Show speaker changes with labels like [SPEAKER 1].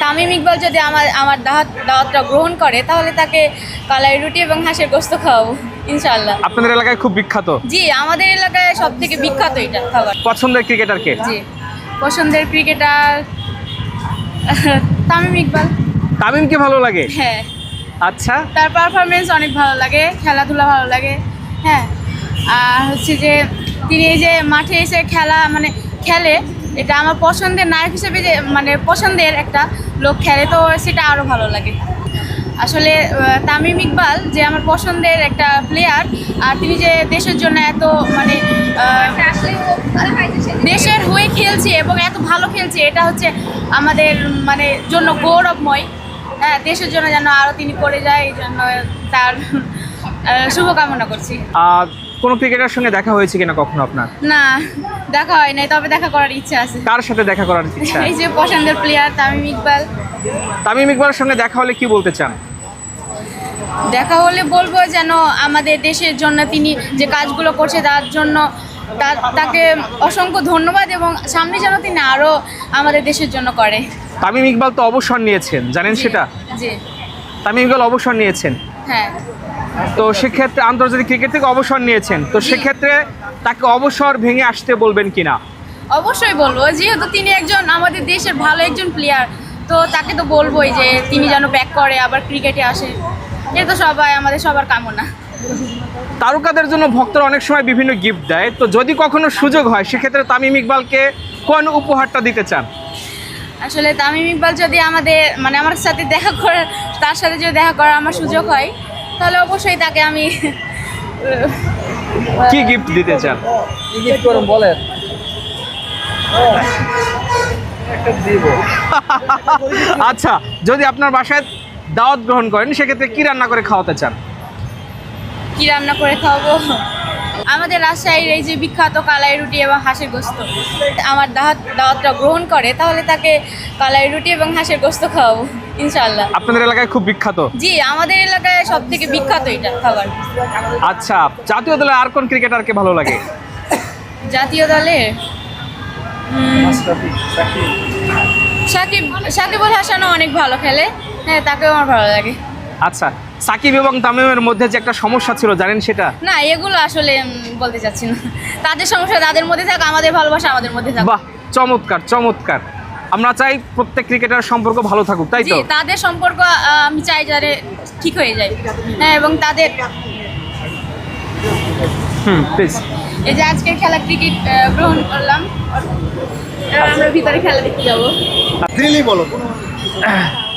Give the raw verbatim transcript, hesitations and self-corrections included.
[SPEAKER 1] তামিম ইকবাল যদি আমার আমার দাওয়াত দাওয়াতটা গ্রহণ করে তাহলে তাকে কালাই রুটি এবং হাঁসের গোস্ত খাওয়াবো ইনশাআল্লাহ।
[SPEAKER 2] আপনাদের এলাকায় খুব বিখ্যাত?
[SPEAKER 1] জি, আমাদের এলাকায় সব থেকে বিখ্যাত এটা খাবার।
[SPEAKER 2] পছন্দের ক্রিকেটার কে?
[SPEAKER 1] জি, পছন্দের ক্রিকেটার তামিম ইকবাল।
[SPEAKER 2] তামিমকে ভালো লাগে?
[SPEAKER 1] হ্যাঁ।
[SPEAKER 2] আচ্ছা,
[SPEAKER 1] তার পারফরমেন্স অনেক ভালো লাগে, খেলাধুলা ভালো লাগে। হ্যাঁ, আর হচ্ছে যে তিনি এই যে মাঠে এসে খেলা মানে খেলে, এটা আমার পছন্দের নায়ক হিসেবে যে মানে পছন্দের একটা লোক খেলে, তো সেটা আরও ভালো লাগে। আসলে তামিম ইকবাল যে আমার পছন্দের একটা প্লেয়ার, আর তিনি যে দেশের জন্য এত মানে দেশের হয়ে খেলছে এবং এত ভালো খেলছে, এটা হচ্ছে আমাদের মানে জন্য গৌরবময়। হ্যাঁ, দেশের জন্য যেন আরও তিনি করে যায়, এই জন্য তার শুভকামনা করছি।
[SPEAKER 2] আর কোন ক্রিকেটারের সঙ্গে দেখা হয়েছে কিনা কখনো আপনার?
[SPEAKER 1] না, দেখা হয় নাই, তবে দেখা করার ইচ্ছা আছে।
[SPEAKER 2] কার সাথে দেখা করার ইচ্ছা?
[SPEAKER 1] এই যে পছন্দের প্লেয়ার তামিম ইকবাল।
[SPEAKER 2] তামিম ইকবালের সঙ্গে দেখা হলে কি বলতে চান?
[SPEAKER 1] দেখা হলে বলবো যেন আমাদের দেশের জন্য তিনি যে কাজগুলো করছে তার জন্য তাকে অসংখ্য ধন্যবাদ, এবং সামনে যেন তিনি আরও আমাদের দেশের জন্য করে।
[SPEAKER 2] তামিম ইকবাল তো অবসর নিয়েছেন, জানেন সেটা?
[SPEAKER 1] জি।
[SPEAKER 2] তামিম ইকবাল অবসর নিয়েছেন,
[SPEAKER 1] হ্যাঁ।
[SPEAKER 2] তো সেক্ষেত্রে আন্তর্জাতিক ক্রিকেট থেকে অবসর নিয়েছেন, তো সেক্ষেত্রে তাকে অবসর ভেঙে আসতে বলবেন কিনা?
[SPEAKER 1] অবশ্যই বলবো, যেহেতু তিনি একজন আমাদের দেশের ভালো একজন প্লেয়ার, তো তাকে তো বলবোই যে তিনি যেন ব্যাক করে আবার ক্রিকেটে আসে। এটা তো সবাই আমাদের সবার কামনা।
[SPEAKER 2] তারকাদের জন্য ভক্তরা অনেক সময় বিভিন্ন গিফট দেয়, তো যদি কখনো সুযোগ হয় সেক্ষেত্রে তামিম ইকবালকে কোন উপহারটা দিতে চান?
[SPEAKER 1] আসলে তামিম ইকবাল যদি আমাদের মানে আমার সাথে দেখা করার তার সাথে যদি দেখা করার আমার সুযোগ হয়, তাহলে অবশ্যই তাকে আমি
[SPEAKER 2] কি গিফট দিতে চান?
[SPEAKER 3] কি গিফট করুন বলেন।
[SPEAKER 2] আচ্ছা, যদি আপনার বাসায় দাওয়াত গ্রহণ করেন সেক্ষেত্রে কি রান্না করে খাওয়াতে চান?
[SPEAKER 1] কি রান্না করে খাওয়াবো? আমাদের রাজশাহীর এই যে বিখ্যাত কালাই রুটি এবং হাঁসের গোস্ত, আমার দাওয়াত দাওয়াতটা গ্রহণ করে তাহলে তাকে কালাই রুটি এবং হাঁসের গোস্ত খাওয়াবো ইনশাআল্লাহ।
[SPEAKER 2] আপনাদের এলাকায় খুব বিখ্যাত?
[SPEAKER 1] জি, আমাদের এলাকায় সব থেকে বিখ্যাত এটা খাবার।
[SPEAKER 2] আচ্ছা, জাতীয় দলে আর কোন ক্রিকেটারকে ভালো লাগে?
[SPEAKER 1] জাতীয় দলে সাকিব সাকিবুল হাসানও অনেক ভালো খেলে। হ্যাঁ, তাকেও আমার ভালো লাগে।
[SPEAKER 2] আচ্ছা, সাকিব এবং তামিমের মধ্যে যে একটা সমস্যা ছিল, জানেন সেটা?
[SPEAKER 1] না, এগুলো আসলে বলতে চাচ্ছি না। তাদের সমস্যা তাদের মধ্যে থাক, আমাদের ভালোবাসা আমাদের মধ্যে থাক।
[SPEAKER 2] বাহ, চমৎকার চমৎকার। আমরা চাই প্রত্যেক ক্রিকেটার সম্পর্ক ভালো থাকুক, তাই তো?
[SPEAKER 1] তাদের সম্পর্ক আমি চাই যারে ঠিক হয়ে যায়। হ্যাঁ, এবং তাদের
[SPEAKER 2] হুম প্লিজ।
[SPEAKER 1] এই যে আজকের খেলা ক্রিকেট গ্রহণ করলাম, আমরা ভিতরে খেলা দেখতে যাবো।
[SPEAKER 3] দিল্লি বলো।